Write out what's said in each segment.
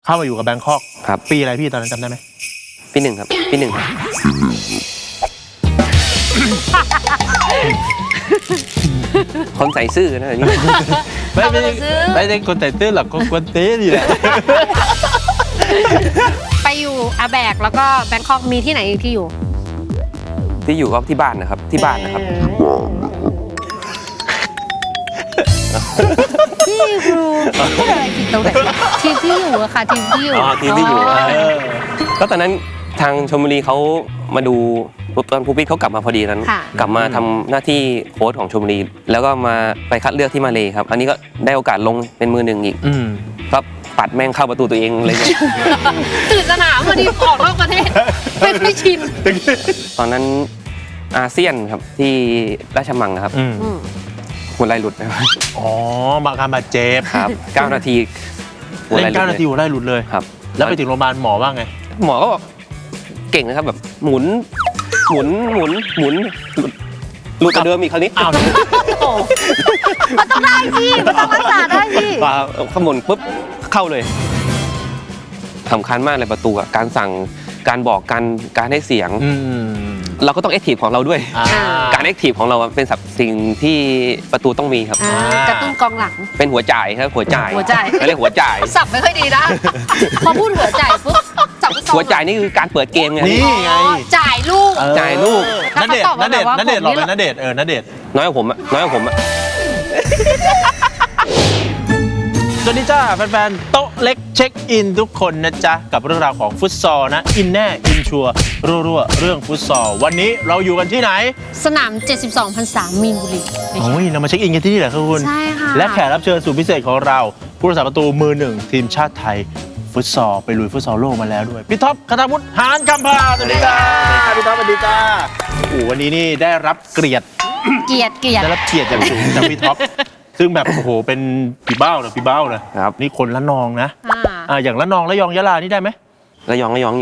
เข้ามาอยู่กับแบงคอกครับปีอะไรพี่ตอนนั้นจำได้ไหมปีหนึ่งครับปีหนึ่งครับคนใส่ซื่อนะอย่างนี้ไม่ใช่คนใส่ซื่อหรอกคนกวนตีนนี่แหละไปอยู่อาแบกแล้วก็แบงคอกมีที่ไหนอีกที่อยู่ก็ที่บ้านนะครับที่บ้านนะครับที่ครูพูดอะไรผิดตรงไหนทีมที่อยู่อะค่ะทีมที่อยู่ทีมที่อยู่ก็ตอนนั้นทางชลบุรีเขามาดูตอนภูปิเขากลับมาพอดีนั้นกลับมาทำหน้าที่โค้ชของชลบุรีแล้วก็มาไปคัดเลือกที่มาเลครับอันนี้ก็ได้โอกาสลงเป็นมือหนึ่งอีกก็ปัดแม่งเข้าประตูตัวเองเลยตื่นสนามพอดีออกนอกประเทศไม่ค่อยชินตอนนั้นอาเซียนครับที่ราชมังครับหัวไหล่หลุดนะครับอ๋อมาการบาดเจ็บครับ9 นาทีเล่น9 นาทีหัวไหล่หลุดเลยครับแล้วไปถึงโรงพยาบาลหมอว่าไงหมอก็บอกเก่งนะครับแบบหมุนหลุดกว่าเดิมอีกคราวนี้อ้าวมันต้องได้สิมันต้องรักษาได้สิขมุนปุ๊บเข้าเลยสำคัญมากเลยประตูการสั่งการบอกการให้เสียงเราก็ต้องแอคทีฟของเราด้วยการแอคทีฟของเราเป็นสิ่งที่ประตูต้องมีครับกระตุ้นกองหลังเป็นหัวจ่ายครับหัวจ่ายเขาเรียกหัวจ่ายสับไม่ค่อยดีนะพอพูดหัวจ่ายปุ๊บหัวจ่ายนี่คือการเปิดเกมไงนี่ไงจ่ายลูกณเดชน์หล่อเป็นณเดชน์ณเดชน์น้อยกว่าผมอะสวัสดีจ้าแฟนๆโต๊ะเล็กเช็คอินทุกคนนะจ๊ะกับเรื่องราวของฟุตซอลนะอินแน่อินชัวรัวเรื่องฟุตซอลวันนี้เราอยู่กันที่ไหนสนาม72 พรรษามีนบุรีโอ้ยเรามาเช็คอินกันที่นี่แหละครับคุณใช่ค่ะและแขกรับเชิญสุดพิเศษของเราผู้รักษาประตูมือหนึ่งทีมชาติไทยฟุตซอลไปลุยฟุตซอลโลกมาแล้วด้วยพี่ท็อปคทาวุฒิหานคำพาสวัสดีครับพี่ท็อปสวัสดีจ้าโอ้วันนี้นี่ได้รับเกียรติได้รับเกียรติอย่างสูงจากพี่ท็อปซึ่งแบบโอ้โหเป็นปีเบ้านะครับนี่คนละนองนะอย่างละนองละยองยะลานี่ได้ไหมละยองยา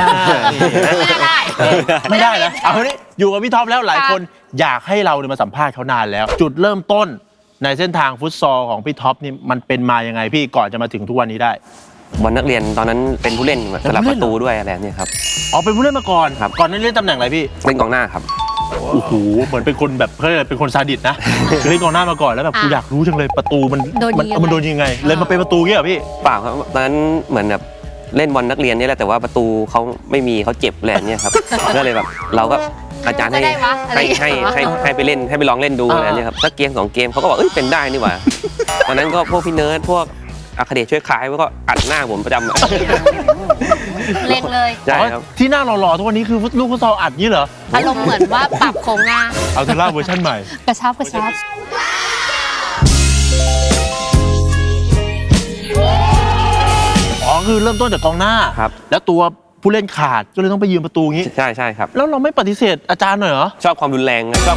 ไม่ได้นะเอาวันนี้อยู่กับพี่ท็อปแล้วหลายคนอยากให้เรามาสัมภาษณ์เขานานแล้วจุดเริ่มต้นในเส้นทางฟุตซอลของพี่ท็อปนี่มันเป็นมายังไงพี่ก่อนจะมาถึงทุกวันนี้ได้บอลนักเรียนตอนนั้นเป็นผู้เล่นสลับประตูด้วยอะไรเนี่ยครับอ๋อเป็นผู้เล่นมาก่อนครับก่อนนั้นเล่นตำแหน่งอะไรพี่เล่นกองหน้าครับโอ้โหเหมือนเป็นคนแบบเขาเรียกเป็นคนซาดิสนะเล่นกองหน้ามาก่อนแล้วแบบกูอยากรู้จังเลยประตูมันโดนยังไงเลยมาเป็นประตูเงี้ยเหรอพี่เปล่าครับตอนนั้นเหมือนแบบเล่นบอลนักเรียนนี่แหละแต่ว่าประตูเขาไม่มีเขาเจ็บแหละเนี่ยครับก็เลยแบบเราก็อาจารย์ให้ไปเล่นให้ไปลองเล่นดูอะไรเนี่ยครับสักเกม2 เกมเขาก็บอกเป็นได้นี่หว่าตอนนั้นก็พวกพี่เนิร์ดพวกอาคาเดชช่วยขายก็อัดหน้าผมประจำเล่นเลยใช่ครับที่หน้าหล่อๆทุกวันนี้คือลูกฟุตซอลอัดนี่เหรออารมณ์เหมือนว่าปรับโครงหน้าเอาเทล่าเวอร์ชันใหม่กระชับอ๋อคือเริ่มต้นจากกองหน้าครับแล้วตัวผู้เล่นขาดก็เลยต้องไปยืมประตูงี้ใช่ครับแล้วเราไม่ปฏิเสธอาจารย์หน่อยเหรอชอบความรุนแรงครับ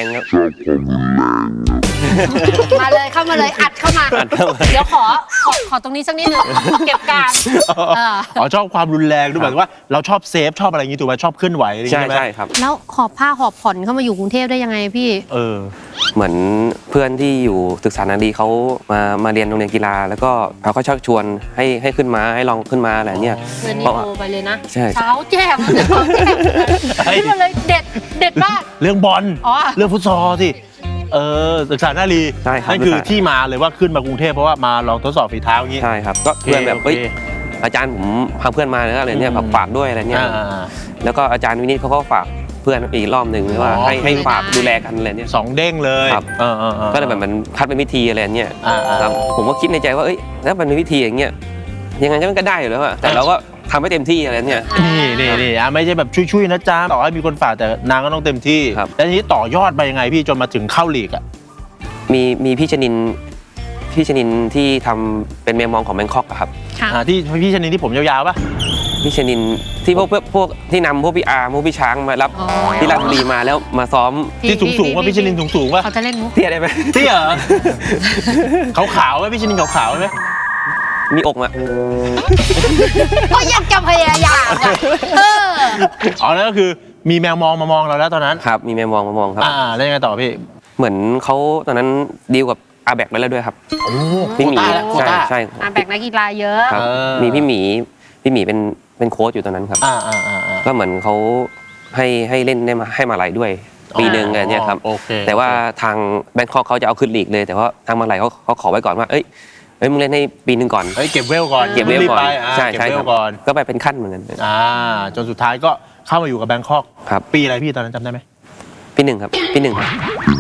มาเลยเข้ามาเลยอัดเข้ามาเดี๋ยวขอตรงนี้สักนิดนึงเก็บการชอบความรุนแรงด้วยหมายถึงว่าเราชอบเซฟชอบอะไรอย่างงี้ถูกไหมชอบเคลื่อนไหวใช่ครับแล้วหอบผ้าหอบผ่อนเข้ามาอยู่กรุงเทพได้ยังไงพี่เหมือนเพื่อนที่อยู่ศึกษานารีเขามาเรียนโรงเรียนกีฬาแล้วก็เขาก็ชักชวนให้ขึ้นมาให้ลองขึ้นมาอะไรเนี่ยเพื่อนนี่โทรไปเลยนะเช้าแจ่มขึ้นมาเลยเด็ดมากเรื่องบอลเรื่องฟุตซอลสิศึกษานารีนั่นคือที่มาเลยว่าขึ้นมากรุงเทพเพราะว่ามาลองทดสอบฝีเท้าอย่างนี้ใช่ครับก็เพื่อนแบบอาจารย์ผมพาเพื่อนมาอะไรเนี่ยฝากด้วยอะไรเนี่ยแล้วก็อาจารย์วินิจเขาก็ฝากเพื่อนอีกรอบหนึ่งว่าให้ฝากดูแลกันอะไรเนี่ย 2 เด้งเลยก็เลยแบบมันคัดเป็นวิธีอะไรเนี่ยผมก็คิดในใจว่าถ้าเป็นวิธีอย่างเงี้ยยังไงมันก็ได้อยู่แล้วแต่เราก็ทำให้เต็มที่อะไรเนี่ยนี่ไม่ใช่แบบช่วยๆนะจ๊ะต่อให้มีคนฝากแต่นางก็ต้องเต็มที่แล้วทีนี้ต่อยอดไปยังไงพี่จนมาถึงเข้าลีกอ่ะมีพี่ชนินที่ทำเป็นเมมองของแบงคอกครับที่พี่ชนินที่ผมยาวๆป่ะพี่ชนินที่พวกที่นำพวกพี่อาร์พวกพี่ช้างมารับที่ราชบุรีมาแล้วมาซ้อมที่สูงว่าพี่ชนินสูงว่าเขาจะเล่นมุกเตี้ยได้ไหมเตี้ยขาวไหมพี่ชนินขาวไหมมีอกอ่ะก็ยังจะพยายามนั่นก็คือมีแมวมองมามองเราแล้วตอนนั้นครับมีแมวมองมามองครับแล้วยังไงต่อพี่เหมือนเขาตอนนั้นดีลกับอาแบกไปแล้วด้วยครับโอ้พี่หมีโควต้าใช่แบกนักกีฬาเยอะครับ มีพี่หมีเป็นโค้ชอยู่ตอนนั้นครับ ก็เหมือนเขาให้เล่นได้มาให้มาลัยด้วยปีหนึ่งอะไรเนี่ยครับโอเคแต่ว่าทางแบงคอกเขาจะเอาขึ้นลีกเลยแต่ว่าทางมาลัยเขาขอไว้ก่อนว่าเอ้ยมึงเล่นให้ปีหนึ่งก่อนเก็บเวลก่อนเก็บเวลก่อนรีบไปใช่เก็บใช่เวคลรับก่อนก็ไปเป็นขั้นเหมือนกันจนสุดท้ายก็เข้ามาอยู่กับแบงคอกครับปีอะไรพี่ตอนนั้นจำได้ไหมปีหนึ่งครับปีหนึ่งครับ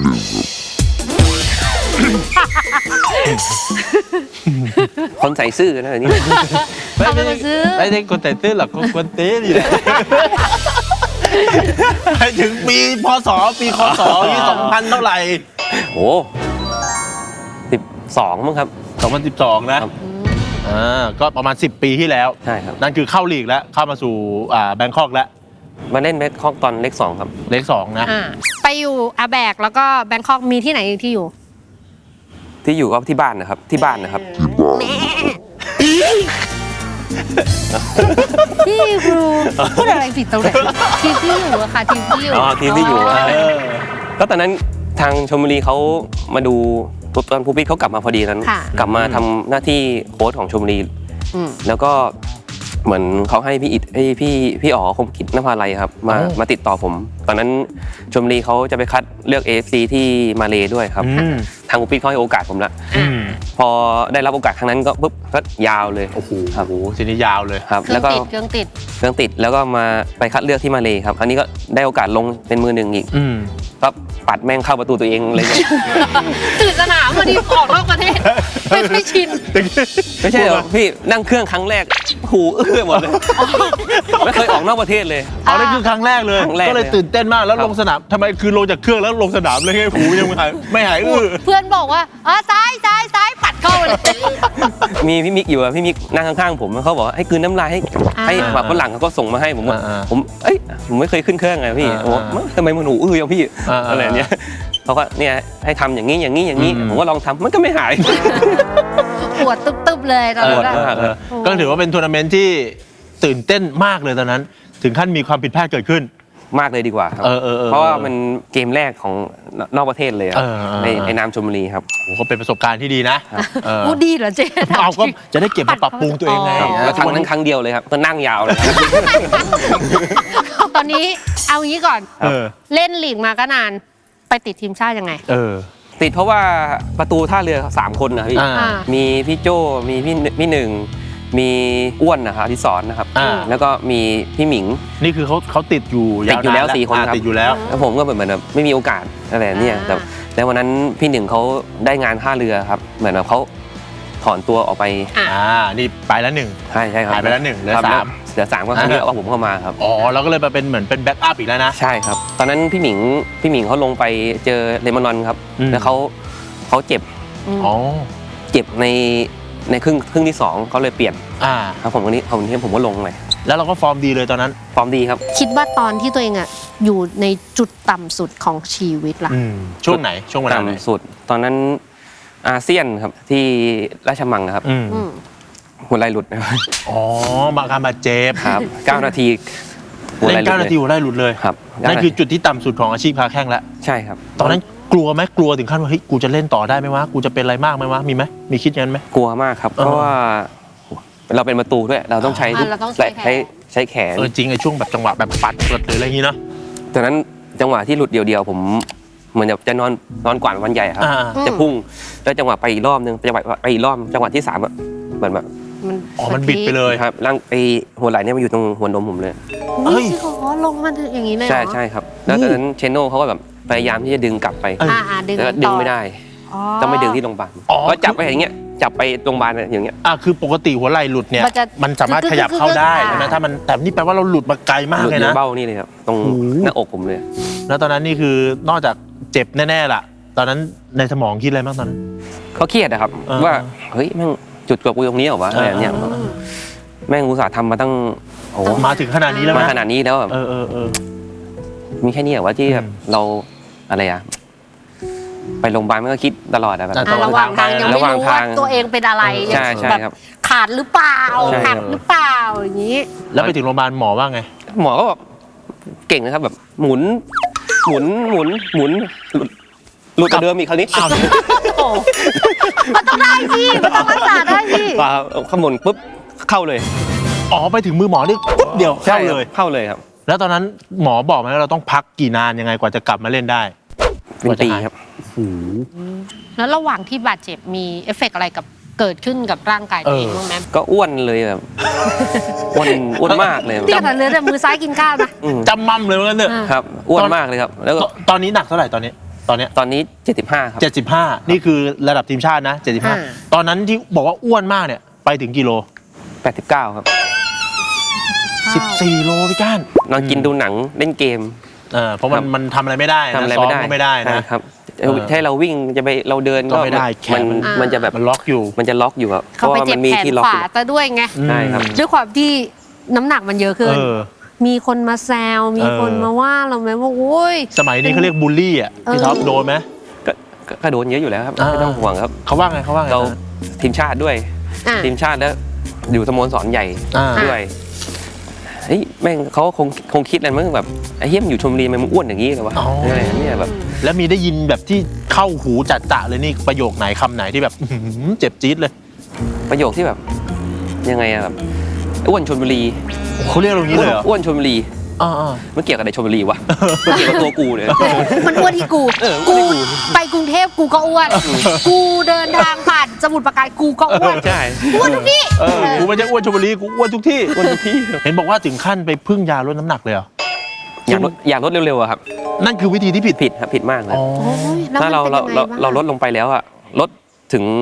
คนใส่ซื่อนะนี่เอาไปซื้อไม่ใช่คนแต่ตื้อหรอกคนเต้นี่แหละไปถึงปีพศปีคศที่2000เท่าไหร่โอ้12มั้งครับ 2012 นะครับ ก็ประมาณ10 ปีที่แล้วใช่ครับนั่นคือเข้าลีกแล้วเข้ามาสู่แบงคอกแล้วมาเล่นแบงคอกตอนเลข2ครับเลข2นะไปอยู่อาแบกแล้วก็แบงคอกมีที่ไหนอีกที่อยู่ที่อยู่ก็ที่บ้านนะครับที่บ้านนะครับที่ครูพูดอะไรผิดตรงไหนทีมที่อยู่อะค่ะทีมที่อยู่อ๋อทีมที่อยู่ก็ตอนนั้นทางชลบุรีเขามาดูตอนภูปิเขากลับมาพอดีนั้นค่ะกลับมาทำหน้าที่โค้ชของชลบุรีอืมแล้วก็เหมือนเขาให้พี่อิดพี่อ๋อคมกิจนภาลัยครับมาติดต่อผม ตอนนั้นชลบุรีเขาจะไปคัดเลือก AFC ที่มาเลด้วยครับ ทางภูปิเขาให้โอกาสผมละพอได้รับโอกาสครั้งนั้นก็ปุ๊บก็ยาวเลยโอ้โหครับทีนี้ยาวเลยครับเครื่แล้อวงก็ติดเครื่องติดเครื่องติดแล้วก็มาไปคัดเลือกที่มาเลครับอันนี้ก็ได้โอกาสลงเป็นมือหนึ่งอีกก็ปัดแม่งเข้าประตูตัวเองเลยเนี่ยตื่นสนามพอดีออกนอกประเทศไม่ชินไม่ใช่หรอกพี่นั่งเครื่องครั้งแรกหูอื้อหมดเลยไม่เคยออกนอกประเทศเลยเอานั่นคือครั้งแรกเลยครั้งแรกก็เลยตื่นเต้นมากแล้วครับลงสนามทำไมคือลงจากเครื่องแล้วลงสนามเลยให้หูยังไม่หายอื้อเพื่อนบอกว่าซ้ายปัดเข้าเลยมีพี่มิกอยู่อะพี่มิกนั่งข้างๆผมเขาบอกว่าให้กลืนน้ำลายให้แบบฝรั่งเขาก็ส่งมาให้ผมว่าผมไม่เคยขึ้นเครื่องไงพี่ผมว่าทำไมมันหูอื้อยังพี่อะไรเนี้ยเขาก็เนี่ยให้ทำอย่างนี้ผมก็ลองทำมันก็ไม่หายปวดตึ๊บๆเลยตอนปวดนั้นมากเลยก็ถือว่าเป็นทัวร์นาเมนต์ที่ตื่นเต้นมากเลยตอนนั้น ถึงขั้นมีความผิดพลาดเกิดขึ้นมากเลยดีกว่าครับ เพราะว่ามันเกมแรกของนอกประเทศเลยครับในนามชลบุรีครับโอ้ก็เป็นประสบการณ์ที่ดีนะพูดดีเหรอเจ๊เอาก็จะได้เก็บมาปรับปรุงตัวเองไงแล้วครั้งนั้นครั้งเดียวเลยครับก็นั่งยาวเลยตอนนี้เอางี้ก่อน เล่นลีกมาก็นานไปติดทีมชาติยังไงติดเพราะว่าประตูท่าเรือ3คนนะพี่มีพี่โจมีพี่หนึ่งมีอ้วนนะครับที่สอนนะครับแล้วก็มีพี่หมิงนี่คือเขาติดอยู่ติดอยู่แล้ว4 คนครับติดอยู่แล้วแล้วผมก็เหมือนแบบไม่มีโอกาสอะไรเนี่ยแต่แล้ววันนั้นพี่หนึ่งเขาได้งานท่าเรือครับเหมือนแบบเขาถอนตัวออกไปนี่ไปแล้วหนึ่งใช่ครับหายไปแล้วหนึ่งเหลือครับ 3 เหลือ3ก็ครั้งนี้เอาผมเข้ามาครับอ๋อเราก็เลยมาเป็นเหมือนเป็นแบ็กอัพอีกแล้วนะใช่ครับตอนนั้นพี่หมิงเขาลงไปเจอเลมานอนครับแล้วเขาเจ็บ เจ็บในครึ่งที่2เขาเลยเปลี่ยนครับผมวันนี้ผมก็ลงเลยแล้วเราก็ฟอร์มดีเลยตอนนั้นฟอร์มดีครับคิดว่าตอนที่ตัวเองอยู่ในจุดต่ำสุดของชีวิตล่ะช่วงไหนช่วงเวลาไหนต่ำสุดตอนนั้นอาเซียนครับที่ราชมังครับหัวไหล่หลุดนะครับอ๋อมาการบาดเจ็บครับ9 นาทีเล่น9 นาทีหัวไหล่หลุดเลยครับนั่นคือจุดที่ต่ำสุดของอาชีพค้าแข้งแล้วใช่ครับตอนนั้นกลัวไหมกลัวถึงขั้นว่าเฮ้ยกูจะเล่นต่อได้ไหมวะกูจะเป็นอะไรมากไหมวะมีไหมมีคิดอย่างนั้นไหมกลัวมากครับเพราะว่าเราเป็นประตูด้วยเราต้องใช้เราต้องใช้แขนแขนจริงไอ้ช่วงแบบจังหวะแบบปัดหรืออะไรอย่างงี้เนาะตอนนั้นจังหวะที่หลุดเดียวๆผมเหมือนจะนอนกว่านวันใหญ่ครับจะพุ่งแล้วจังหวะไปอีกรอบนึงจังหวะไปอีกรอบจังหวะที่3เหมือนแบบมันบิดไปเลยครับร่างไอหัวไหล่เนี่ยมาอยู่ตรงหัวนมผมเลยนี่สิเขาลงมาอย่างนี้เลยเหรอใช่ครับแล้วตอนนั้นเชโน่เขาก็แบบพยายามที่จะดึงกลับไปดึงแล้วดึงไม่ได้ต้องไปดึงที่โรงพยาบาลก็จับไปอย่างเงี้ยจับไปโรงพยาบาลอย่างเงี้ยคือปกติหัวไหล่หลุดเนี่ยมันสามารถขยับเข้าได้ใช่ไหมถ้ามันแต่นี่แปลว่าเราหลุดมาไกลมากหลุดเลยในนะเบ้านี่เลยครับตรงหน้าอกผมเลยแล้วตอนนั้นนี่คือนอกจากเจ็บแน่ๆล่ะตอนนั้นในสมองคิดอะไรบ้างตอนนั้นเขาเครียดนะครับว่าเฮ้ยแม่งจุดจบกูตรงนี้เหรอวะอะไรเนี่ยแม่งอุตส่าห์ทำมาตั้งโอ้มาถึงขนาดนี้แล้วมาขนาดนี้แล้วแบบมีแค่นี้เหรอวะที่แบบเราอะไรอะไปโรงพยาบาลมันก็คิดตลอดอะแบบระหว่างทางยังไม่รู้ว่าตัวเองเป็นอะไรใช่ครับขาดหรือเปล่าหักหรือเปล่าอย่างนี้แล้วไปถึงโรงพยาบาลหมอว่าไงหมอก็แบบเก่งนะครับแบบหมุนหลุดหลุดกว่าเดิมอีกคราวนี้อ้าวโอ้โหมันต้องได้พี่มันต้องรักษาได้พี่ปลาข้างบนปุ๊บเข้าเลยอ๋อไปถึงมือหมอนี่ปุ๊บเดียวเข้าเลยเข้าเลยครับแล้วตอนนั้นหมอบอกไหมว่าเราต้องพักกี่นานยังไงกว่าจะกลับมาเล่นได้เป็นปีครับแล้วระหว่างที่บาดเจ็บมีเอฟเฟกต์อะไรกับเกิดขึ้นกับร่างกายตัวเองบ้างไหมก็อ้วนเลยแบบอ้วนมากเลยที่ขนาดเหลือแต่มือซ้ายกินข้าวนะอืมจำมั่มเลยว่างั้นเถอะครับอ้วนมากเลยครับ แล้วก็ตอนนี้หนักเท่าไหร่ตอนนี้ตอนนี้75ครับ 75 นี่คือระดับทีมชาตินะ 75 ตอนนั้นที่บอกว่าอ้วนมากเนี่ยไปถึงกิโล 89ครับ 14 โลพี่ก้านนอนกินดูหนังเล่นเกมเพราะมันทำอะไรไม่ได้นะทำอะไรซ้อไม่มได้ก็ไม่ได้นะครับให้เราวิ่งจะไปเราเดินก็ไม่ได้แขนมันจะแบบมันล็อกอยู่มันจะล็อกอยู่ครับเพเขาราะไปว่าเจ็มับนมีแขนที่ล็อกขอวายู่ซะด้วยไงใช่ครับด้วยความที่น้ำหนักมันเยอะขึ้นเออมีคนมาแซวมีคนมาว่าเราไหมว่าโอ้ยสมัยนี้เขาเรียกบูลลี่อ่ะพี่ท็อปโดนไหมก็โดนเยอะอยู่แล้วครับไม่ต้องห่วงครับเขาว่าไงเราทีมชาติด้วยอ่ะทีมชาติแล้วอยู่สโมสรใหญ่อ่าด้วยเฮ้ยแม่งเขาคงคิดอะไรมั้งแบบไอ้เหี้ยมนอยู่ชลบุรีมันอ้วนอย่างนี้เลยวะอะไรเนี่ยแบบแล้วมีได้ยินแบบที่เข้าหูจัดๆเลยนี่ประโยคไหนคำไหนที่แบบอื้อหือเจ็บจี๊ดเลยประโยคที่แบบยังไงอะแบบอ้วนชลบุรีเขาเรียกเราอย่างนี้เลยเหรออ้วนชลบุรีอ่ามันเกี่ยวกับอะไรชลบุรีวะมันเกี่ยวกับตัวกูเลยมันอ้วนที่กูเออกูอ้วนที่กูไปกรุงเทพกูก็อ้วน กูเดินทางผ่านสมุทรปราการกูก็อ้วนใช่อ้วนทุกที่กูไม่ใช่อ้วนชลบุรีกูอ้วนทุกที่อ้วนทุกที่เห็นบอกว่าถึงขั้นไปพึ่งยาลดน้ำหนักเลยเหรออยากลดเร็วๆอะครับนั่นคือวิธีที่ผิดผิดครับผิดมากเลยอ๋อโอ้ยแล้วถ้ามันเราเป็นเรายังไงเราบ้างเราลดลงไปแล้วอะลดถึง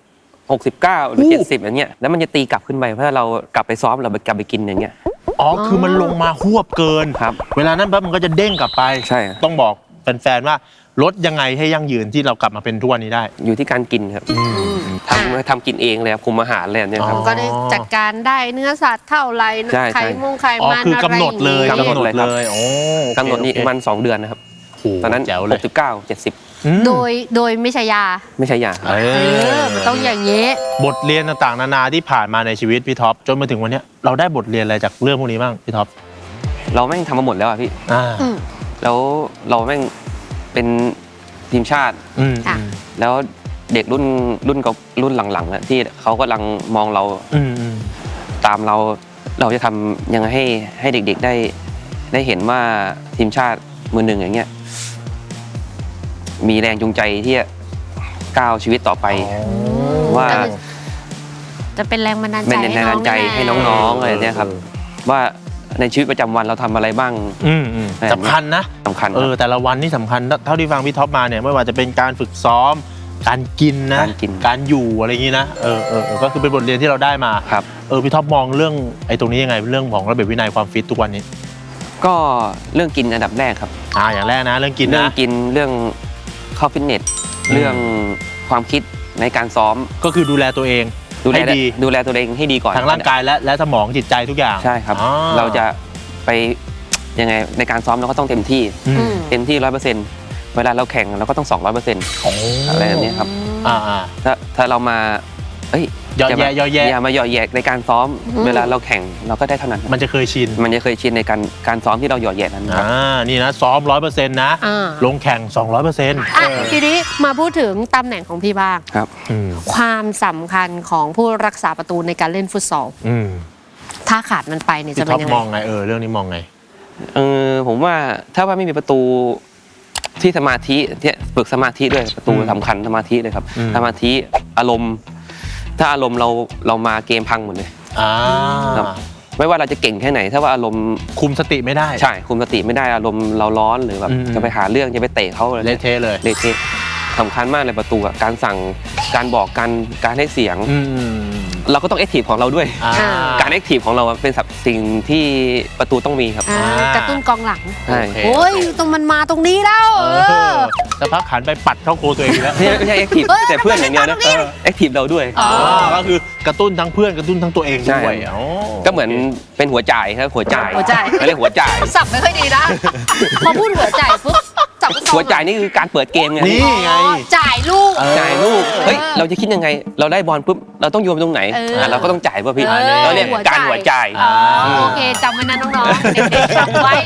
69 หรือ 70อย่างเงี้ยแล้วมันจะตีกลับขึ้นไปเพราะเรากลับไปซ้อมเรากลับไปกินอย่างเงี้ยอ๋อคือมันลงมาหวบเกินครับเวลานั้นปั๊บมันก็จะเด้งกลับไปใช่ต้องบอกแฟนๆว่าลดยังไงให้ยั่งยืนที่เรากลับมาเป็นทุกวันนี้ได้อยู่ที่การกินครับทำกินเองเลยครับคุมอาหารเลยเนี่ยครับอ๋อก็ได้จัดการได้เนื้อสัตว์เท่าไหร่ใช่ไข่มงไข่อ๋อมันคืออะไรกำหนดเลยอย่างกำงี้หนดเลยครับเลยโอ้โอเคกำหนดนี่โอเคประมาณ2 เดือนนะครับโอ้โหตอนนั้นแจ๋วเลย 69 70 อืมโดยไม่ใช่ยาไม่ใช่ยาครับมันต้องอย่างนี้บทเรียนต่างๆนานาที่ผ่านมาในชีวิตพี่ท็อปจนมาถึงวันเนี้ยเราได้บทเรียนอะไรจากเรื่องพวกนี้บ้างพี่ท็อปเราแม่งทำมาหมดแล้วอะพี่อ่าอืมแล้วเราแม่งเป็นทีมชาติอืมอ่ะแล้วเด็กรุ่นหลังๆอะที่เขากำลังมองเราอืมอืมตามเราจะทำยังไงให้เด็กๆได้เห็นว่าทีมชาติมือหนึ่งอย่างเงี้ยมีแรงจูงใจที่จะก้าวชีวิตต่อไป ว่าจะเป็นแรงบันดาลใจเป็นแรงบันดาลใจให้น้องๆอะไรเนี่ยครับ ว่าในชีวิตประจำวันเราทำอะไรบ้างอืมอืมสำคัญนะสำคัญครับแต่ละวันนี่สำคัญเท่าที่ฟังพี่ท็อปมาเนี่ยไม่ว่าจะเป็นการฝึกซ้อม การกินนะการกินการอยู่อะไรอย่างนี้นะก็คือเป็นบทเรียนที่เราได้มาครับพี่ท็อปมองเรื่องไอ้ตรงนี้ยังไงเรื่องของระเบียบวินัยความฟิตทุกวันนี้ก็เรื่องกินอันดับแรกครับอย่างแรกนะเรื่องกินเรื่องนะกินเรื่องเข้าฟิตเนสอืมเรื่องความคิดในการซ้อมก็คือดูแลตัวเอง ให้ดีดูแลตัวเองให้ดีก่อนทั้งร่างกายและสมองจิตใจทุกอย่างใช่ครับอ๋อเราจะไปยังไงในการซ้อมเราก็ต้องเต็มที่อืมเต็มที่ 100%เวลาเราแข่งเราก็ต้อง 200% อะไรแบบนี้ครับอ่าถ้าเรามาเอ้ยย่อแย่อย่ามาหย่อแยกในการซ้อม เวลาเราแข่งเราก็ได้เท่านั้นมันจะเคยชินมันจะเคยชินในการซ้อมที่เราหย่อแยกนั้นครับนี่นะซ้อม 100%นะอ่าลงแข่ง 200% อ่ะทีนี้มาพูดถึงตำแหน่งของพี่บ้างครับความสำคัญของผู้รักษาประตูในการเล่นฟุตซอล ถ้าขาดมันไปเนี่ยพี่จะเป็ท็อน ปยังมไงองไงเรื่องนี้มองไงผมว่าถ้าว่าไม่มีประตูที่สมาธิที่ฝึกสมาธิด้วยประตูอืมสำคัญสมาธิเลยครับอืมสมาธิอารมณ์ ถ้าอารมณ์เรามาเกมพังหมดเลย ครับ ไม่ว่าเราจะเก่งแค่ไหน ถ้าว่าอารมณ์คุมสติไม่ได้ใช่คุมสติไม่ได้อารมณ์เราร้อนหรือแบบอืมจะไปหาเรื่องจะไปเตะเขาอะไรเละเทะเลยเละเทะสำคัญมากเลยประตูอะการสั่งการบอกการให้เสียง เราก็ต้องแอคทีฟของเราด้วย การแอคทีฟของเราอะเป็นสิ่งที่ประตูต้องมีครับกระตุ้นกองหลังใช่โอ้ยตรงมันมาตรงนี้แล้วสักพักขันไปปัดเข้าโคตัวเองอีกแล้วไม่ใช่แอคทีฟเอ้ยแต่เพื่อนอย่างเดียวนะมันเป็นแอคทีฟเราด้วยก็คือกระตุ้นทั้งเพื่อนกระตุ้นทั้งตัวเองใช่ด้วยก็เหมือนเป็นหัวจ่ายครับหัวจ่ายหัวจ่ายเขาเรียกหัวจ่ายสับไม่ค่อยดีนะ พอพูดหัวใจปุ๊บจับฟุตซอลหัวจ่ายนี่คือการเปิดเกมไงนี่ไงจ่ายลูกจ่ายลูกเฮ้ยเราจะคิดยังไง เราได้บอลปุ๊บเราต้องโยนไปตรงไหน เราก็ต้องจ่ายป่ะพี่เออเราเรียกการหัวจ่ายอ๋อโอเคจำไว้นะน้องๆเด็กๆจำไว้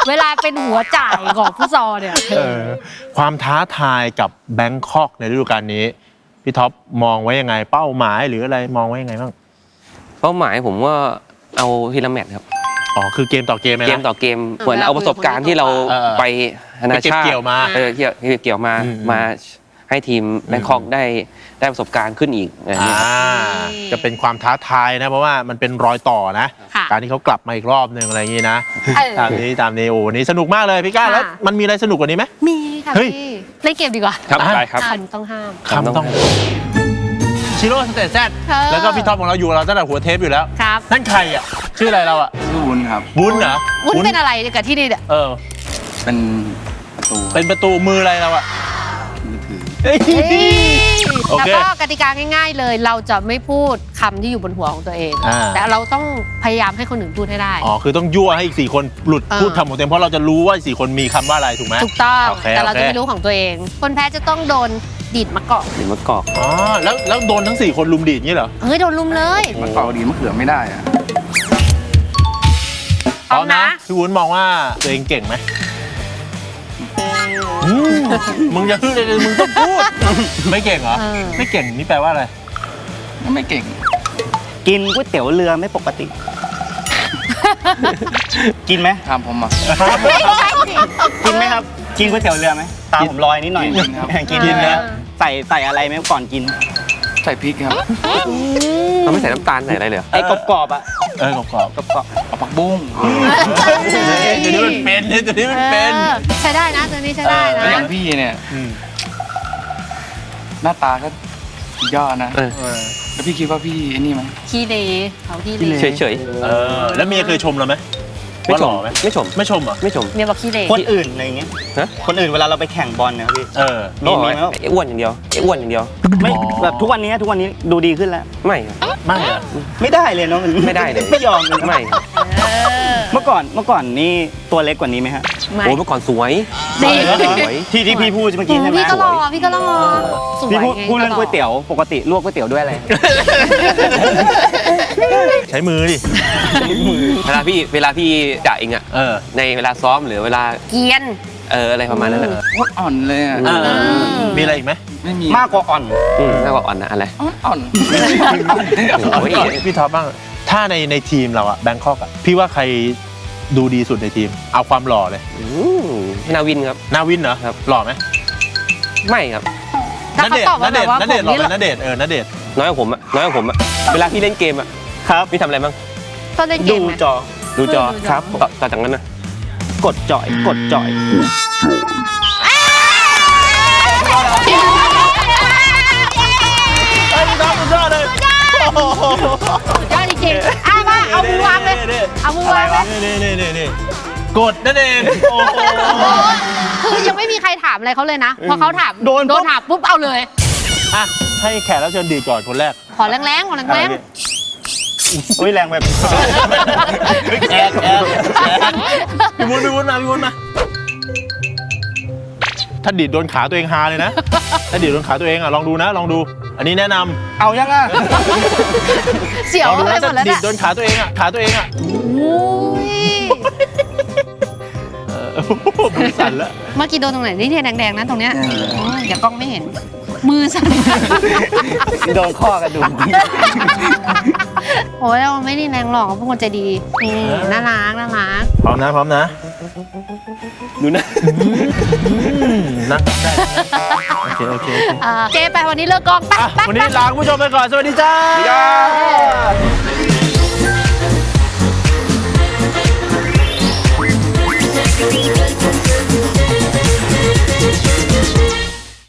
เวลาเป็นหัวจ่ายของฟุตซอลเนี่ยความท้าทายกับแบงคอกในฤดูกาลนี้พี่ท็อปมองไว้ยังไงเป้าหมายหรืออะไรมองไว้ยังไงบ้างเป้าหมายผมว่าเอาทีละแมตช์ครับอ๋อคือเกมต่อเกมเลยนะเกมต่อเกมเหมือนเอาประสบการณ์ที่เราไปนานาชาติไปเก็บเกี่ยวมาเกี่ยวมาอืมมาให้ทีมแบงคอกได้ประสบการณ์ขึ้นอีกอะไรอย่างเงี้ยครับจะเป็นความท้าทายนะเพราะว่ามันเป็นรอยต่อนะค่ะการที่เขากลับมาอีกรอบหนึ่งอะไรอย่างนี้นะเออตามนี้โอ้วันนี้สนุกมากเลยพี่ก้าค่ะแล้วมันมีอะไรสนุกกว่านี้ไหมมีค่ะเฮ้ยพี่เล่นเกมดีกว่าครับอ่ะได้ครับคำต้องห้ามคำต้องชิโร่สเตทแซดเออแล้วก็พี่ท็อปของเราอยู่กับเราตั้งแต่หัวเทปอยู่แล้วครับนั่นใครอ่ะชื่ออะไรเราอ่ะชื่อวุ้นครับวุ้นเหรอวุ้นเป็นอะไรกับที่นี่เนี่ยเออเป็นประตูเป็นประตูมืออะไรเราอ่ะมือถือเฮ้ย โอแล้วเคก็กติกาง่ายๆเลย เราจะไม่พูดคำที่อยู่บนหัวของตัวเองอ่าแต่เราต้องพยายามให้คนอื่นพูดให้ได้อ๋อคือต้องยั่วให้อีก4คนหลุดเออพูดคำของตัวเองเพราะเราจะรู้ว่า4คนมีคำว่าอะไรถูกไหมถูกต้องโอเคแต่เราโอเคจะไม่รู้ของตัวเอง คนแพ้จะต้องโดนดีดมะกอกหรือมะกอกอ๋อแล้วโดนทั้ง4คนลุมดีดอย่างนี้เหรอเฮ้ยโดนลุมเลยมันเป่าดีมะเขือไม่ได้อะพร้อมนะพี่วุ้นมองว่าตัวเองเก่งไหมอืมมึงจะพูดเลยมึงต้องพูด ไม่เก่งเหรอเออไม่เก่งนี่แปลว่าอะไรไม่เก่งกินก๋วยเตี๋ยวเรือไม่ปกติ กินไหมทำผมอ่ะกินไหมครับ กินก๋วยเตี๋ยวเรือไหมตาผมลอยนิดหน่อยกินครับกินนะใส่อะไรไหมก่อนกินใส่พริกครับเราไม่ใส่น้ำตาลใส่อะไรเลยเหรอไอ้กรอบๆอ่ะกรอบกรอบเอาผักบุ้งๆเดี๋ยวนี้มันเป็นเดี๋ยวนี้มันเป็นใช้ได้นะตัวนี้ใช้ได้แล้วอนะย่างพี่เนี่ยอืมหน้าตาก็สุดยอดนะเออแล้วพี่คิดว่าพี่ไอ้นี่ไหมขี้เลเขาขี้เลเฉยแล้วเมียเคยชมเราไหมๆไม่ว่าชหล่มอไหมไม่ชมไม่ชมเหรอไม่ชมเมียบอกขี้เลๆคนอื่นอะไรอย่างเงี้ยฮะคนอื่นเวลาเราไปแข่งบอลเนี่ยครับพี่มีเขาบอกมีว่าไหมไอ้อ้วนอย่างเดียวไอ้อ้วนอย่างเดียวไม่อ๋อแบบทุกวันนี้ดูดีขึ้นแล้วไม่ครับไม่เหรอไม่ได้เลยเนาะไม่ได้เลยไม่ยอมเลยนะไม่ครับเมื่อก่อนนี่ตัวเล็กกว่านี้ไหมฮะไม่โอ้เมื่อก่อนสวยดีสวยที่พี่พูดเมื่อกี้ใช่ไหมพี่ก็รอพี่ก็รอสวยพี่พูดไงพูดเรื่องก็ก๋วยเตี๋ยวปกติลวกก๋วยเตี๋ยวด้วยอะไรใช้มือดิเวลาพี่จ่าเองอะเออในเวลาซ้อมหรือเวลาเกรียนอะไรประมาณนั้นอะโคตรอ่อนเลยอ่ะมีอะไรอีกไหมไม่มีมากกว่าอ่อนน่ากว่าอ่อนนะอะไรอ่อนโอ้ยพี่ท็อปบ้างถ้าในทีมเราอะแบงคอกอะพี่ว่าใครดูดีสุดในทีม เอาความหล่อเลยนาวินครับนาวินเหรอครับหล่อไหมไม่ครับถ้าเขาตอบว่าแบบว่าณผเดชมน์หล่อนี่ไหมณเดชน์ณเดชน์น้อยกว่าผมอะเวลาพี่เล่นเกมอะครับพี่ทำอะไรบ้างต้นเล่นเกดูมไหมจอดูจอดูจอครับต่อจากนั้นนะกดจ่อยเอ้ยพี่ท็อปสุดยอดเลยสุดยอดจริงๆอ่ะมาเอามือวางเลยเอามือวางเลยนี่กดนั่นเองโอ้โหคือยังไม่มีใครถามอะไรเขาเลยนะพอเขาถามโดนปุ๊บถามปุ๊บเอาเลยอ่ะให้แขกรับเชิญดีดก่อนคนแรกขอแรงๆขอแรงอุ้ยแรงแบบแขกพี่วุ้นมาถ้าดีดโดนขาตัวเองฮาเลยนะ ถ้าดีดโดนขาตัวเองอ่ะลองดูนะลองดู อันนี้แนะนำเอายังอ่ะๆเสียวลองดูไปนะหมถ้าดแล้วดีเนี่ดยโดนขาตัวเองอ่ะขาตัวเองอ่ะอุ้ยมือสั่นแล้วเมื่อกี้โดนตรงไหนนี่เนี่ยแดงๆนะตรงเนี้ยเดี๋ยวกล้องไม่เห็น มือสั่นโดนข้อกระดูกโอ้ยเราไม่ได้แรงหรอกเขาเป็นคนใจดีนี่น่ารักพร้อมนะดูนะนะได้โอเคเจไปวันนี้เลิกกองไปอ่ะไปวันนี้ลาคุณผู้ชมไปก่อนสวัสดีจ้าไป